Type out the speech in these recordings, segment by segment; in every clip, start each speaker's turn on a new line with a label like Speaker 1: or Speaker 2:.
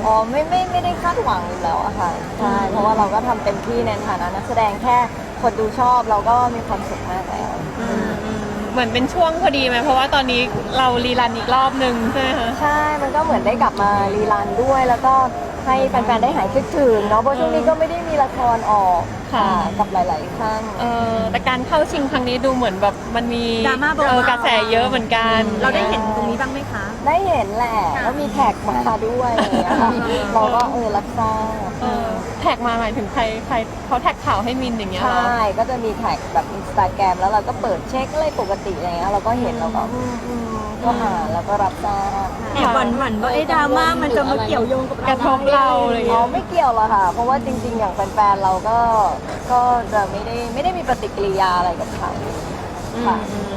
Speaker 1: อ๋อไม่ได้คาดหวังอยู่แล้วอะค่ะใช่เพราะว่าเราก็ทำเต็มที่ในฐานะนักแสดงแค่คนดูชอบเราก็มีความสุขมากแล้ว
Speaker 2: เหมือนเป็นช่วงพอดีไหมเพราะว่าตอนนี้เรารีรันอีกรอบนึงใช่ไหมคะ
Speaker 1: ใช่ มันก็เหมือนได้กลับมารีรันด้วย แล้วก็ให้แฟนๆ ได้หายคิดถึงเนาะ เพราะช่วงนี้ก็ไม่ได้มีละครออกค่ะกับหลายๆท่าน
Speaker 2: แต่การเข้าชิงครั้งนี้ดูเหมือนแบบมันมี
Speaker 3: ดราม่าเบาๆ
Speaker 2: กระแสเยอะเหมือนกัน
Speaker 3: เราได้เห็นตรงนี้บ้างไหมคะ
Speaker 1: ได้เห็นแหละ แล้วมีแท็กมาด้วยอย่างเงี้ยค่ะเราก็รับทราบ
Speaker 2: แท็กมาหมายถึงใครเขาแท็กข่าวให้มินอย่างเงี้ย
Speaker 1: ใช
Speaker 2: เหรอ
Speaker 1: ่ ก็จะมีแท็กแบบอินสตาแกรมแล้วเราก็เปิดเช็คอะไรปกติอะไรเงี้ยเราก็เห็นเราก็ก็อ่านแล้วก็รับทราบ
Speaker 3: แอบหวั่นว่าดราม่ามันจะมาเกี่ยวโยงกับ
Speaker 2: กระทบเราอะไรอย่าง
Speaker 1: อ๋อ
Speaker 2: เงี้ย
Speaker 1: ไม่เกี่ยวหรอกค่ะ เพราะว่าจริงๆ อย่างแฟนๆ เราก็จะไม่ได้มีปฏิกิริยาอะไรกับเขาค่ะ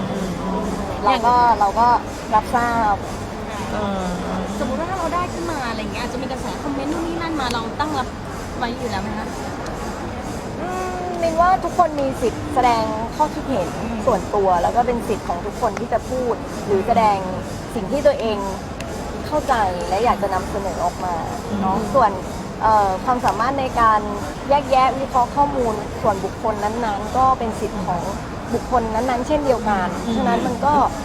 Speaker 1: เราก็รับทราบ
Speaker 4: สมมติว่าถ้าเราได้ขึ้นมาอะไรเงี้ยอาจจะมีกระแสคอมเมนต์นู่นนี่นั่นมาเราตั้งรับไว้อยู่แล้วไหมคะ
Speaker 1: มินว่าทุกคนมีสิทธิ์แสดงข้อคิดเห็นส่วนตัวแล้วก็เป็นสิทธิ์ของทุกคนที่จะพูด หรือแสดงสิ่งที่ตัวเองเข้าใจและอยากจะนำเสนอออกมาเนาะส่วนความสามารถในการแยกแยะวิเคราะห์ข้อมูลส่วนบุคคลนั้นๆ ก็เป็นสิทธิ์ของบุคคลนั้นๆ เช่นเดียวกันฉะนั้นมัน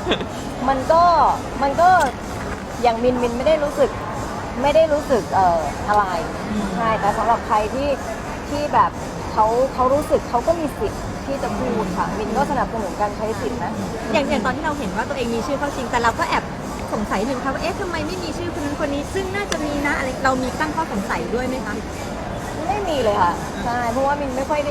Speaker 1: ก็อย่างมินไม่ได้รู้สึกอะไรใช่แต่สำหรับใครที่แบบเขารู้สึกเขาก็มีสิทธิ์ที่จะพูดค่ะมินก็สนับสนุนการใช้สิทธิ์นะ
Speaker 3: อย่างตอนที่เราเห็นว่าตัวเองมีชื่อเข้าชิงแต่เราก็แอบสงสัยหนึ่งค่ะว่าทำไมไม่มีชื่อคนนั้นคนนี้ซึ่งน่าจะมีนะอะไรเรามีตั้งข้อสงสัยด้วยไหมคะ
Speaker 1: ไม่มีเลยค่ะใช่เพราะว่ามินไม่ค่อยได้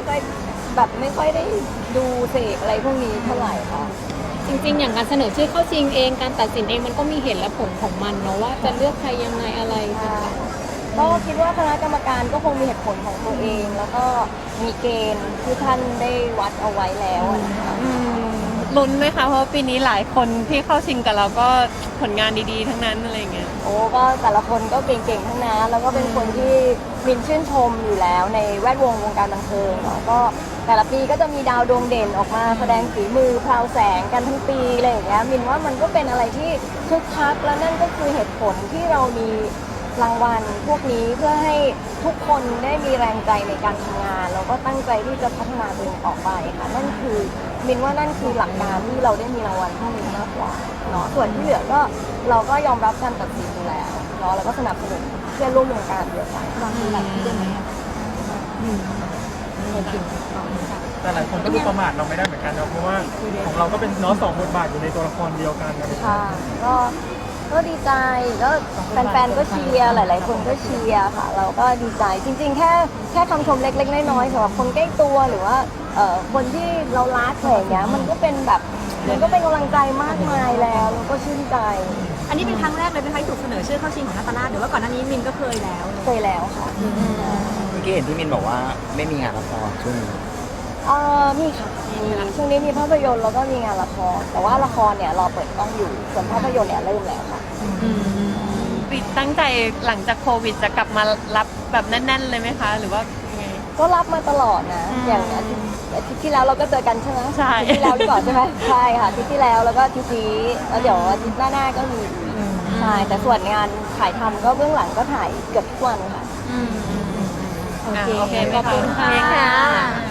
Speaker 1: ดูเสกอะไรพวกนี้เท่าไหร่ค่ะ
Speaker 4: จริงๆอย่างการเสนอชื่อเข้าชิงเองการตัดสินเองมันก็มีเหตุและผลของมันเนาะว่าจะเลือกใครยังไงอะไรต่างๆ
Speaker 1: ก็คิดว่าคณะกรรมการก็คงมีเหตุผลของตัวเอง แล้วก็มีเกณฑ์ที่ท่านได้วัดเอาไว้แล้วนะคะ
Speaker 2: ลุ้นไหมคะเพราะว่าปีนี้หลายคนที่เข้าชิงกับเราก็ผลงานดีๆทั้งนั้นอะไรเงี้ย
Speaker 1: โอ้ก็แต่ละคนก็เก่งๆทั้งนั้นแล้วก็เป็นคนที่มินชื่นชมอยู่แล้วในแวดวงการบันเทิงเนาะก็แต่ละปีก็จะมีดาวดวงเด่นออกมาแสดงฝีมือพราวแสงกันทั้งปีอะไรอย่างเงี้ยมินว่ามันก็เป็นอะไรที่คึกคักและนั่นก็คือเหตุผลที่เรามีรางวัลพวกนี้เพื่อให้ทุกคนได้มีแรงใจในการทำงานแล้วก็ตั้งใจที่จะพัฒนาตัวเองต่อไปค่ะนั่นคือมินว่านั่นคือหลักการที่เราได้มีรางวัลพวกนี้มากกว่าเนาะส่วนที่เหลือก็เราก็ยอมรับการตัดสินอยู่แล้วเนาะแล้วก็สนับสนุนเพื่อนร่วมวงการเดียวกัน
Speaker 5: แต่หลายคนก็ดูประมาทเราไม่ได้เหมือนกันนะเพราะว่าของเราก็เป็นเน้องสองบทบาทอยู่ในตัวละครเดียวกันนะ
Speaker 1: ค่ะก็ดีใจก็แฟนๆก็เชียร์หลายๆคนก็เชียร์ค่ะเราก็ดีใจจริงๆแค่คำชมเล็กๆน้อยๆสำหรับคนใกล้ตัวหรือว่าคนที่เรารักอะไรอย่างเงี้ยมันก็เป็นกำลังใจมากมายแล้วก็ชื่นใจ
Speaker 3: อันนี้เป็นครั้งแรกเลยไหมคะที่ถูกเสนอชื่อเข้าชิงของนาตาลาหรือว่าก่อนหน้านี้มินก็เคยแล้ว
Speaker 1: เคยแล้วค่ะ
Speaker 6: เมื่อกี้เห็นที่มินบอกว่าไม่มีงานละครช่วงนี้
Speaker 1: มีค่ะมีช่วงนี้มีภาพยนตร์แล้วก็มีงานละครแต่ว่าละครเนี่ยรอเปิดกล้องอยู่ส่วนภาพยนตร์เนี่ยเริ่มแล้วค่ะ
Speaker 2: ปิดตั้งใจหลังจากโควิดจะกลับมารับแบบแน่นๆเลยไหมคะ หรือว่ายังไง
Speaker 1: ก็รับมาตลอดนะอย่างอาทิตย์ที่แล้วเราก็เจอกันใช่ไหม
Speaker 2: ใช่
Speaker 1: อาทิตย์ที่แล้วหรือเปล่าใช่ไหมใช่ค่ะอาทิตย์ที่แล้วแล้วก็อาทิตย์นี้แล้วเดี๋ยวอาทิตย์หน้าก็มีอีกใช่แต่ส่วนงานถ่ายทำก็เบื้องหลังก็ถ่ายเกือบทุกวันค่ะ
Speaker 2: โอเคขอบคุณค่ะ